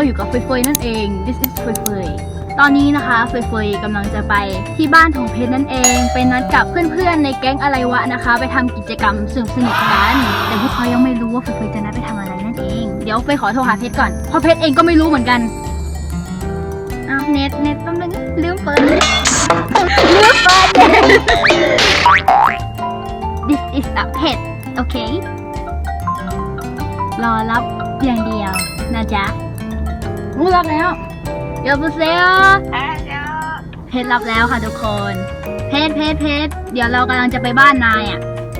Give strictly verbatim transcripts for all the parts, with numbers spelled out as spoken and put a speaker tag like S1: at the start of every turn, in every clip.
S1: อยู่กับเฟยเฟยนั่นเอง this is เฟยเฟยตอนนี้นะคะเฟยเฟยกำลังจะไปที่บ้านของเพชรนั่นเองไปนัดกับเพื่อนๆในแก๊งอะไรวะนะคะไปทำกิจกรรมสนุกสนุกกันแต่พวกเขายังไม่รู้ว่าเฟยเฟยจะนัดไปทำอะไรนั่นเองเดี๋ยวเฟยขอโทรหาเพชรก่อนเพราะเพชรเองก็ไม่รู้เหมือนกันอ้าวเน็ตเน็ตแป๊บนึงลืมเปิดลืมเปิด this is a pet โอเค รอรับอย่างเดียวนะจ๊ะงูรับแล้วเดี๋ยวพูเซลเพชรรับแล้วค่ะทุกคนเพชรเพชรเพชรเดี๋ยวเรากำลังจะไปบ้านนายอ่ะ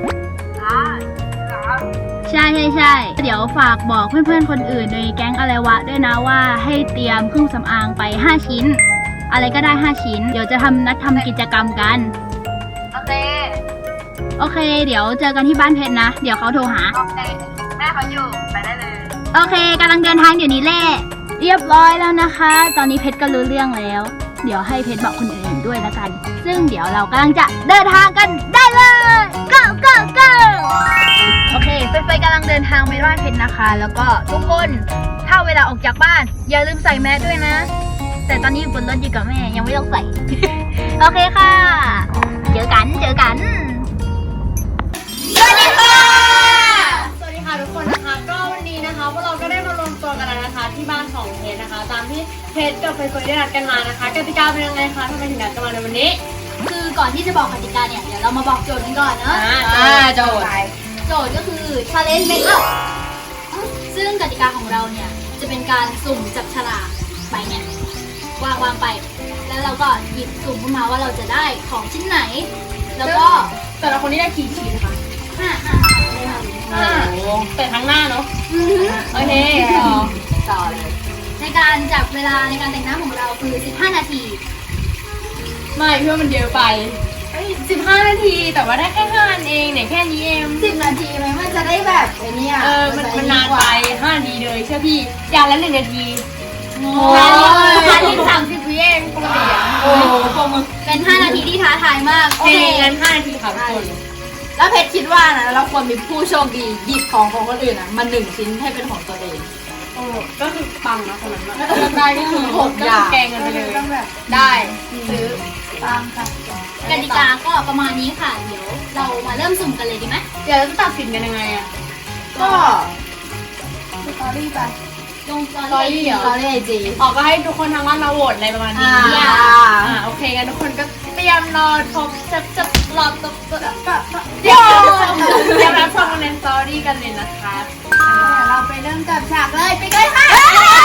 S1: ใช่ใช่ใช่เดี๋ยวฝากบอกเพื่อนๆคนอื่นในแก๊งอะไรวะด้วยนะว่าให้เตรียมเครื่องสำอางไปห้าชิ้นอะไรก็ได้ห้าชิ้นเดี๋ยวจะทำนัดทำกิจกรรมกันโอเคโอเคเดี๋ยวเจอกันที่บ้านเพชรนะเดี๋ยวเขาโทรหาโอเคแม่เขาอยู่ไปได้เลยโอเคกำลังเดินทางเดี๋ยวนี้แหละเรียบร้อยแล้วนะคะตอนนี้เพชรก็รู้เรื่องแล้วเดี๋ยวให้เพชรบอกคนอื่นด้วยละกันซึ่งเดี๋ยวเรากำลังจะเดินทางกันได้เลย go go go โอเคเฟยเฟยกำลังเดินทางไปบ้านเพชรนะคะแล้วก็ทุกคนถ้าเวลาออกจากบ้านอย่าลืมใส่แมสด้วยนะแต่ตอนนี้อยู่บนรถอยู่กับแม่ยังไม่ต้องใส่ โอเคค่ะเจอกันเจอกันสวัสดีค่ะ
S2: สวัสดีค่ะทุกคนนะคะก็วันนี้นะคะพวกเราก็ได้มารวมตัวกันแล้วนะคะที่บ้านของเพชรนะคะตามที่เพชรกับเฟยเฟยได้นัดกันมานะคะกติกาเป็นยังไงคะทำไมถึงนัดกันมาในวันนี้
S1: คือก่อนที่จะบอกกติกาเนี่ยเดี๋ยวเรามาบอกโจทย์กันก่อนเนอะ
S2: อ่าโจทย์
S1: โจทย์ก็คือ challenge makeup ซึ่งกติกาของเราเนี่ยจะเป็นการสุ่มจับฉลากไปเนี่ยวางวางไปแล้วเราก็หยิบสุ่มขึ้นมาว่าเราจะได้ของชิ้นไหนแล้วก็
S2: แต่ละคนนี่ได้กี่ชิ้นคะ
S1: ห้าห้า
S2: ห้าแต่ทั้งหน้าเนาะโอเคต่อต่อเลย
S1: ในการจับเวลาในการแต่งหน้าของเราคือสิบห้านาที
S2: ไม่เพื่อมันเยอะไปสิบห้านาทีแต่ว่าได้แค่ห้าอันเองเนี่ยแค่นี้เอง
S1: สิบนาทีไหมมันจะได้แบบไอ้นี่
S2: เออมันมันนานไปห้านาทีเลยเชื่อพี่อย่างละหนึ่งนาที
S1: โอ้ยนาทีสามสิบวิเองปกติ
S2: โอ้โห
S1: เป็นห้านาทีที่ท้าทายมาก
S2: โอเคงั้นห้านาทีค่ะทุกคน
S3: แล้วเพชรคิดว่านะเราควรมีผู้โชคดีหยิบของของคนอื่นอ่ะมาหนึ่งชิ้นให้เป็นของตัวเอง
S2: โอ้ก็คือปังนะคนนั้นได้ก็คือ
S3: หกอย่าง
S2: แกงกันไปเลย
S3: ได้ซื้อปังค่ะ
S1: กติกาก็ประมาณนี้ค่ะเดี๋ยวเรามาเริ่มสุ่มกันเลยดีไหม
S2: เดี๋ยวเราจะตัดสินกันยังไงอ่ะ
S3: ก็สตอรี่ไป
S1: ลงสต
S3: อ
S1: รี่
S3: สตอรี่ไอจี
S2: ออกก็ให้ทุกคนทางบ้านมาโหวตอะไรประมาณนี้อ่าโอเคกันทุกคนก็เตรียมรอชมจะจะรอตัวตัวเดี๋ยวเตรียมรับชมในสตอรี่กันเลยนะคะ
S3: เราไปเริ่มจับฉากเลยไปเลยค่ะ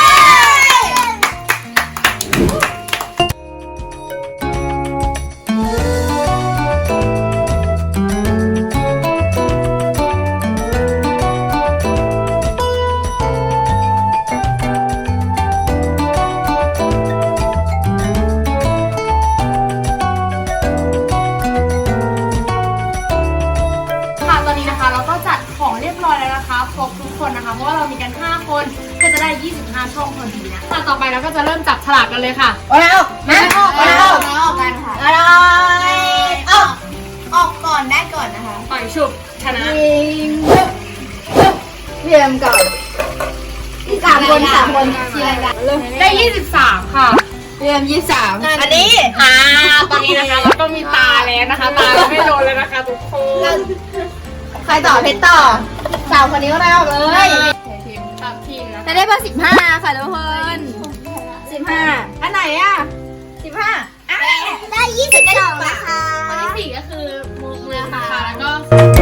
S2: ครบทุกคนนะคะเพราะว่าเรามีกันห้าคนก็จะได้ยี่สิบห้าช่องพอดีนะต่อไปเราก็จะเริ่มจับฉลากกันเลยค่ะ
S3: โอ้ยออกนะออกนะออกนะออกกันค่ะอะไรออกออกก่อนได้ก่อนนะคะ
S2: ปล่อยฉุบชนะ
S3: ยิงเรียมก่อนสามคนสามคนทีละกัน
S2: ได้ยี่สิบสามค่ะ
S3: เรียมยี่สิบสาม
S2: อันนี้อ่าตอนนี้นะคะเราก็มีตาแล้วนะคะตาไม่โดนเลยนะคะทุกคน
S3: ใครต่อเพชรต่อสาวคนนี้ก็ได้ออกเลย
S2: ทีมตามทีมนะ
S1: จะได้เบอร์สิบห้าค่ะทุกคน
S3: สิบห้าอันไหนอ่ะสิบห้า
S1: ได้ยี่สิบสองนะคะ
S2: คนที่สี่ก็คือมือมือค่ะแล้วก็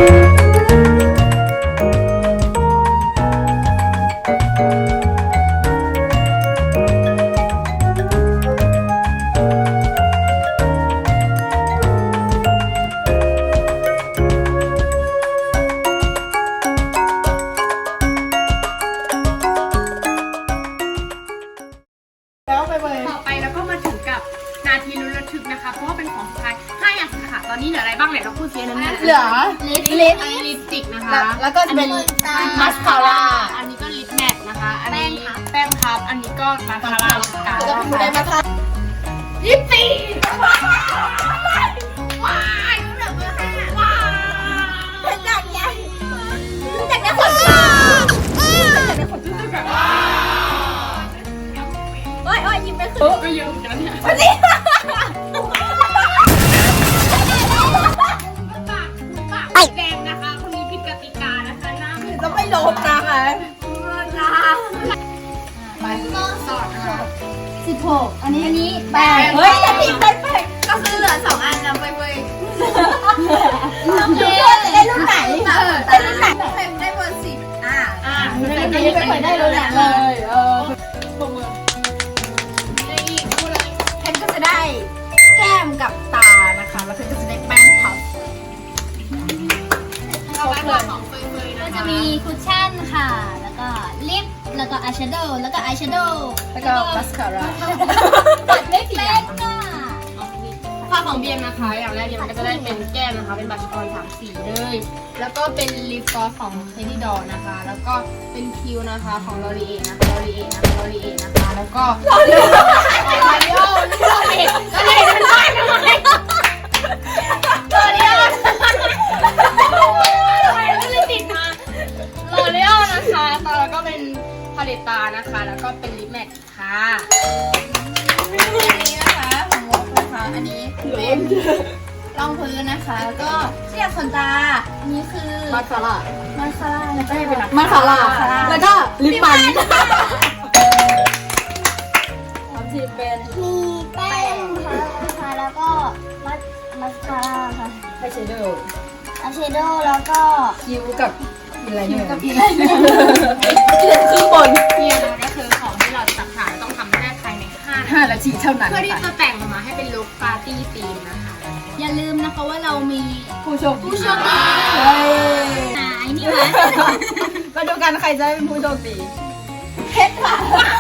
S2: ตอนนี้เหลืออะไรบ้างเนี่ยเราพูดเสียนั้น
S3: เหลือ
S2: ลิปลิปลิปสติกนะคะ
S3: แล้วก็จะเป็น
S2: มัสคาร่าอันนี้ก็ลิปแมทนะคะอันนี้แป้งพับอันนี้ก็มาคาร่าเหมือนกัน
S3: แล้วก็พูดได้มาค่ะ
S2: ลิปสติกว้ายว้ายว้าย
S3: จัดใหญ่จัดใหญ่
S2: คนจัดใหญ่คนจุ๊บจุ๊บแบบ
S3: หกอันนี้
S1: อันนี้
S3: แปดเฮ้ยจะผิดไปแปดก็คือเหลือสองอันนะไปเว้ยทุกคนได้รุ่นไหนได้รุ่นไหนเฟมได้เบอร์สิบอ่า
S2: อ่า
S3: ไม่ได้ไม่เคยได้รุ่นไหนเลยเออ
S2: ปมมือได้อีกพูดเลย
S3: เพชรก็จะได้แก้มกับตานะคะแล้วเพชรก็จะได้แป้งพับ
S2: เราไปก่อนของเฟยๆ
S1: ก็
S2: นะ
S1: จะ
S2: คะ
S1: มีคุชชั่นค่ะ แล้วก็ลิป แล้วก็อายแชโดว์แล้วก็อายแชโดว์
S3: แล้วก็มัสคาร่า
S1: ปัดไม่เป็นอ่ะ
S2: ค่าของเบียมนะคะอย่างแรกเบียมก็จะได้เป็นแก้มนะคะเป็นบัชออนสามสีเลย แล้วก็เป็นลิปกลอสของเทดดี้ดอนะคะ แล้วก็เป็นคิวนะคะของลอรีเอนะคะลอรีเอนะคะลอรีเอนะคะแล้วก็ลอรีโอลอรีโอลอรีโอลอรีโอเป็นไรทำไมลอรีโอทำไมไม่ได้ติดมาลอรีโอนะคะแล้วก็เป็นพาเลตตานะคะ แล้วก็เป็นลิปแมทค่ะ
S3: อันนี้นะคะของวอกนะคะอันนี้เป็นรองพื้นนะคะ แล้วก็เสียบขนตาอันนี้คือ
S2: มาคาร่า
S3: มาคาร่าแล้วก็เป็น
S2: มาคาร่าแล้วก็ลิปมัน
S3: ที่เป็น
S1: มีแป้งค่ะแล้วก็มัสมัสคาร่าค่ะ
S3: ไอแชโดว์
S1: อายแชโดว์แล้วก็
S3: คิ้วกับอะไรเนี่ยกับอี
S2: คือบนเนี่ยนะก็คือของที่เราจะตัดขายต้องทำให้ได้ภายในห้านาที
S3: ห้านาทีเท่านั้น
S2: เพื่อที่จะแต่งออกมาให้เป็นลุคปาร์ตี้ธีมนะคะ
S1: อย่าลืมนะคะว่าเรามี
S3: ผู้โชคดี
S1: ผู้โชคดี
S3: เฮ้ย
S1: หายนี่มา
S3: มาดูกันใครจะเป็นผู้โชคดีเพชรค่ะ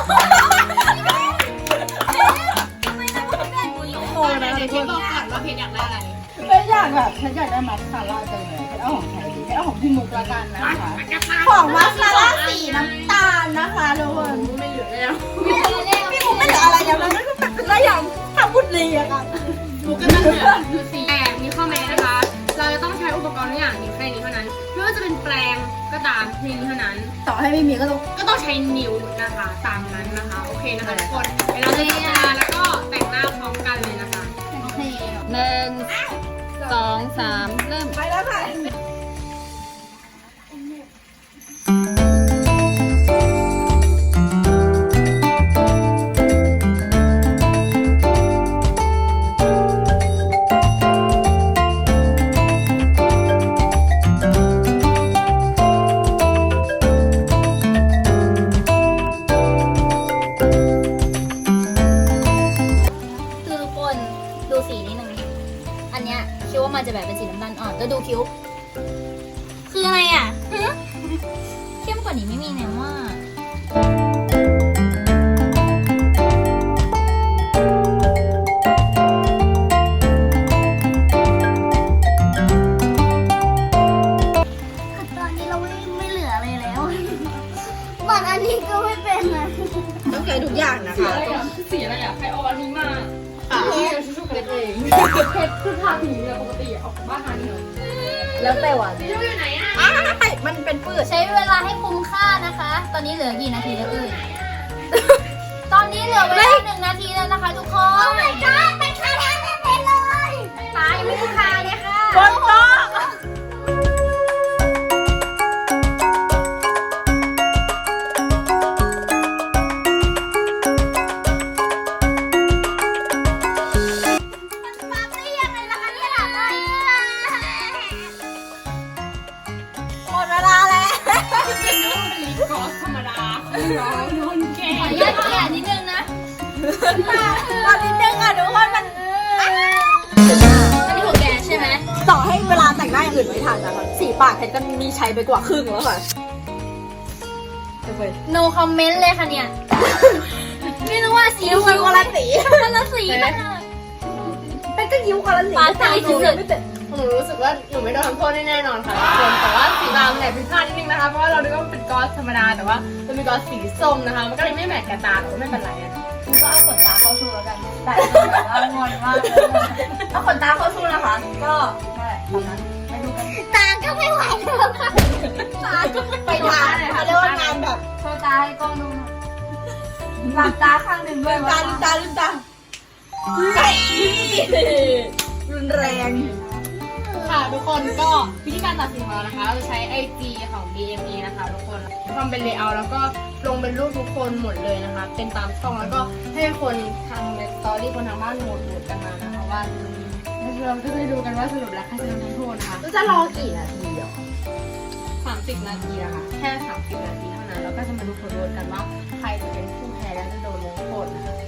S2: โอ้นะเดี๋ยวคิดบอกก่อนว่าเพชรอยากได้อะไร
S3: เพชรอยากแบบเพชรอยากได้มาสคาร่าจังเลยเพชรเอาของใครดีเพชรเอาของพี่มุกละกันนะคะ ของมาสคาร่าสีน้ำตาลนะคะทุกคน
S2: ไม่เหลือแล้ว
S3: พี่มุกไม่เหลืออะไรแล้วนะไม่รู้แต่เป็นอะไรอย่างทำบุญดีอะค่ะ
S2: มุกก็จะเหลือดูสีแต่มีข้อแม้นะคะ เราจะต้องใช้อุปกรณ์ทุกอย่างนี้แค่นี้เท่านั้นไม่ว่าจะเป็นแปรงก็ตามเพียงนี้เท่านั้น
S3: ต่อให้ไม่มีก็ต้อง
S2: ก็ต้องใช้นิ้วนะคะ ตามนั้นนะคะ โอเคนะคะทุกคนเดี๋ยวเราจะทำงานแล้วก็แต่งหน้าพร้อมกันเลยนะคะ
S1: โอเค
S2: หนึ่งสองสามเริ่ม
S3: ไปแล้วค่ะ
S1: คือทุกคนดูสีนิดนึงอันเนี้ยคิดว่ามันจะแบบเป็นสีน้ำตาลอ่อนแล้วดูคิ้ว คืออะไรอ่ะฮะเข้มกว่านี้ไม่มีแน่ว่าตอนนี้เราไม่ไม่เหลืออะไรแล้วเหมือนอันนี้ก็ไม่เป็นนะ
S3: ต้องใช้ทุกอย่างนะคะ
S2: สีอะไรอ่ะใครเอาอันนี้มา
S3: ค่ะ
S2: เพชรชุบเพชรเองเพชรคือทาสีเนี่ยปกติออกจากบ้านทานี่เหรอ
S3: แล้วแต่วัน
S2: สีชุบอยู่ไหนอ่ะ
S3: อ้ายมันเป็นปืด
S1: ใช้เวลาให้คุ้มค่านะคะ ตอนนี้เหลือกี่นาทีแล้วเอ่ย ตอนนี้เหลือเวลาหนึ่งนาทีแล้วนะคะทุกคน โอ้ my god ไปคาแรกไปเลยตายไม่ได้คาเลยค่ะ
S3: บนโต๊ะหมดเวลาแล้ว
S2: เป็นนึกว่าเป็นลิปกลอสธรรมดาร้อนโดนแก
S1: ขออนุญาตเกลี่ยนิดนึงนะ
S3: ตอนนิดนึงอ่ะทุกคนมัน
S1: อันนี้ของแกใช่ไหม
S3: ต่อให้เวลาแต่งหน้าอย่างอื่นไม่ทันนะคะสีปากเพชรก็มีใช้ไปกว่าครึ่งแล้วค่ะ
S1: no comment เลยค่ะเนี่ย ไม่รู้ว่าสี
S3: ยิ้วกันคนละสี
S1: คนละสีกัน
S3: เป็นก็ยิ้วคนละสี
S1: ปาใจสุด
S2: หนูรู้สึกว่าหนูไม่โดนทำโทษแน่นอนค่ะทุกคนแต่ว่าสีดำเนี่ยผิดพลาดนิดนึงนะคะเพราะว่าเราดูว่ามันเป็นกลอสธรรมดาแต่ว่ามันเป็นกลอสสีส้มนะคะมันก็เลยไม่แมทกับตาแต่ก็ไม่เป็นไรนะ
S3: ก็เอาขนตาเข้าสู้แล้วกันแต่เอางอนมากเอาขนตาเข้าสู้นะคะ ก็นั่นแหละตอนนั้นไปดูกัน
S1: ตาก็ไม่ไหวแล้วค่ะ
S3: ตาไปทานเขาเรียกว่างานแบบ
S1: โชว์ตาให้กล้องดูหน่อย
S3: หลับตาข้างหนึ่งด้วยตาลืมตาลืมตารุนแรง
S2: ค่ะทุกคนก็วิธีการตัดสินของเรานะคะเราจะใช้ ไอ จี ของ บี เอ็ม เอ นะคะทุกคนทำเป็นเลเยอร์แล้วก็ลงเป็นรูปทุกคนหมดเลยนะคะ เป็นตามช่องแล้วก็ให้คนทางในสตอรี่คนทางบ้านโหวตโหวตกันมานะคะว่าเราก็จะได้ดูกันว่าสรุปแล้วใครจะโดนทำโทษนะคะ
S3: จะรอกี่นาทีอ่ะ
S2: สามสิบนาทีนะคะแค่สามสิบนาทีเท่านั้นแล้วก็จะมาดูผลโหวตกันว่าใครจะเป็นผู้แพ้และจะโดนลงโทษนะคะ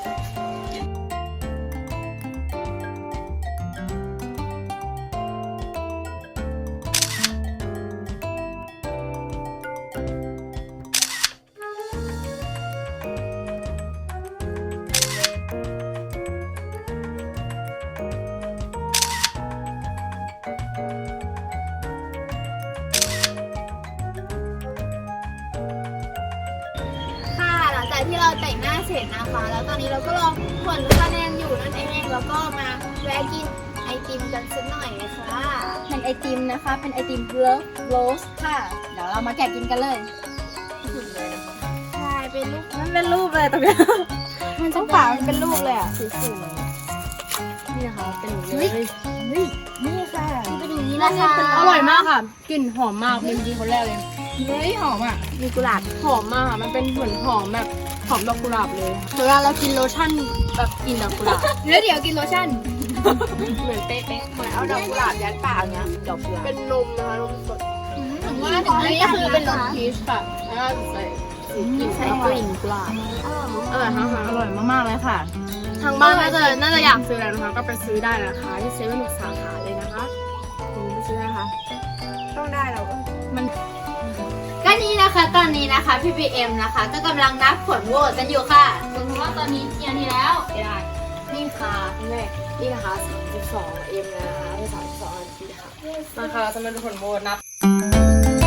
S3: ค่ะหลังจากที่เราแต่งหน้าเสร็จนะคะ แล้วตอนนี้เราก็รอผลคะแนนอยู่นั่นเองแล้วก็มาแวะกินไอติมกันสักหน่อยค่ะเป็นไอติมนะคะ เป็นไอติมเลิฟโรสค่ะ เดี๋ยวเรามาแกะกินกันเลยใช่เป็นรูปมันเป็นรูปเลยตรงนี้มันต้องฝามันเป็นรูปเลยอ่ะสวยๆ
S2: นี่นะคะเป็นอย่างนี้เลย
S3: นี่ค่ะเป็นอย่างนี้นะคะ
S2: อร่อยมากค่ะกลิ่นหอมมากเป็นดีคนแรกเลย
S3: เฮ้ยหอมอ่ะมีกุหลาบ
S2: หอมมากค่ะมันเป็นเหมือนหอมแบบหอมดอกกุหลาบเลยเวลาเรากินโลชั่นแบบกลิ่นดอกกุหลาบ
S3: แล้วเดี๋ยวกินโลชั่น
S2: เหมือนเป๊ะๆเหมือนเอา
S3: เอา
S2: ด
S3: ด
S2: อ
S3: อก ก
S2: กุ
S3: กุ
S2: ห
S3: ห
S2: ลา
S3: ลา
S2: บบ ยั
S3: ยั
S2: ด
S3: ด
S2: ปา
S3: ปาก กเนี้ยดอกกุหลาบ
S2: เป็นนมนะคะนมสด
S3: ถึงว่า
S2: อั
S3: ถึง
S2: น
S3: อัน
S2: นี้
S3: นี้
S2: ก็
S3: ก็
S2: คื
S3: คือ อ
S2: เป็
S3: เป็น น
S2: ร
S3: ร
S2: ส
S3: ส
S2: พีชค่ะแล้วก็ใส่สีกลิ่น
S3: ใส่กลิ่นกุหลาบ
S2: อร่อยมากค่ะ
S3: อร่อยมากๆเลยค่ะ
S2: ทางบ้านน่าจะน่าจะอยากซื้อแล้วนะคะก็ไปซื้อได้นะคะที่เซเว่นทุกสาขาเลยนะคะคุณไปซื้อได้นะคะ
S3: ต้องได้เราก็
S1: ก็นี่นะคะตอนนี้นะคะพี่บีเอ็มนะคะ ก็กำลังนับผลโหวตกันอยู่ค่ะสมมติว่าตอนนี้กี่นาทีแล้ว
S2: ได้นี่ค่ะคุณแม่นี่นะคะสามสิบสองเอ็มนะคะเป็นสามสิบสองนาทีค่ะมาค่ะเราจะมาดูผลโหวตนับ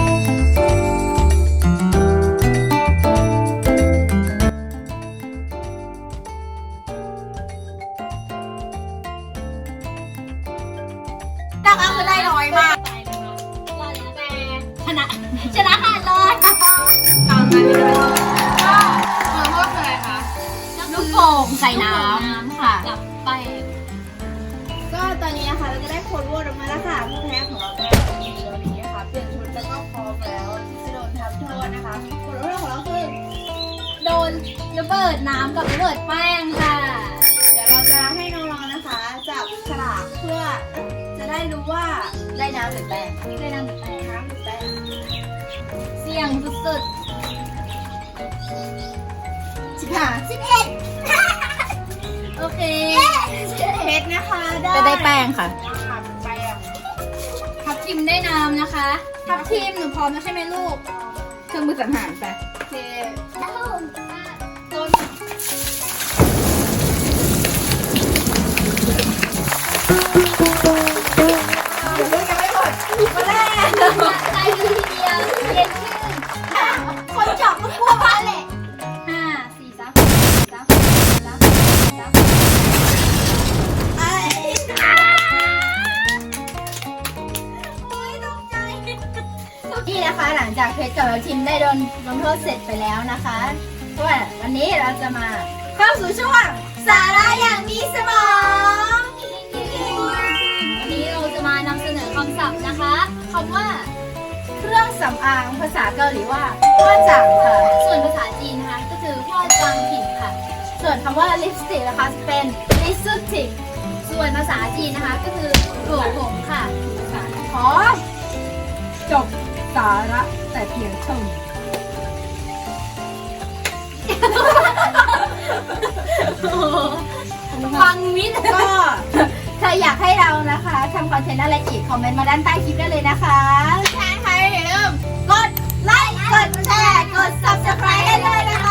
S3: ตักเอาไปได้น้อยมาก
S1: ชนะชนะขาดเลย
S2: ตามนั้นเลยก็ผลโทษคืออะไรคะ
S1: ลูกโป่งใส่น้ำค่ะกับไป
S3: ก็ตอนนี้นะคะเราจะได้ผลโหวตออกมาแล้วค่ะผู้แพ้ของเราก็มีตัวนี้นะคะเปลี่ยนชุดแล้วก็พร้อมแล้วที่จะโดนทำโทษนะคะผลโหวตของเราคือ
S1: โดนระเบิดน้ำกับระเบิดแป้งค่ะ
S3: เดี๋ยวเราจะให้น้องๆนะคะจับฉลากเพื่อจะได้รู้ว่าได้น้ำหรือแป้ง
S1: ได้น้ำกับแป้ง
S3: น้ำหรือแป้ง
S1: เสี่ยงสุด
S3: สิบห้าสิบเอ็ด
S1: ๆโอเค
S3: เพชรนะคะได้
S1: จะได้แป้งค่ะ
S3: ค่ะแป้ง
S1: ทับทิมได้น้ำนะคะ
S3: ทับทีมหนูพร้อมแล้วใช่ไหมลูก
S1: เครื่องมือสังหารไป
S3: โอเค
S1: โดน
S3: ยังไม่หมดมาแรก
S1: ใจดีทีเดียวเย็นขึ้น
S3: คนจับมันกลัวมาแหละ
S1: ห้าสี่สามสี่สามสี่สามสี่สาม
S3: ไอ้ นี่นะคะหลังจากเพชรกับทีมได้โดนลงโทษเสร็จไปแล้วนะคะว่าวันนี้เราจะมาเข้าสู่ช่วงสาระอย่างมีสมอง
S1: วันนี้เราจะมานำเสนอคำศัพท์นะคะคำว่า
S3: เครื่องสำอางภาษาเกาหลีว่าพ่อจังค่ะ
S1: ส่วนภาษาจีนนะคะก็คือพ่อจางผิดค่ะ
S3: ส่วนคำว่าลิปสติกนะคะเป็นลิปสติก
S1: ส่วนภาษาจีนนะคะก็คือโกรผมค่ะ
S3: ขอจบสาระแต่เพียงเท่านี้
S1: ฟังมิด
S3: ก็ใครอยากให้เรานะคะทำคอนเทนต์อะไรอีก คอมเมนต์มาด้านใต้คลิปได้เลยนะคะใช่ค่ะอย่าลืมกดไลค์ กดแชร์ กด ซับสไครบ์ ให้เลยนะคะ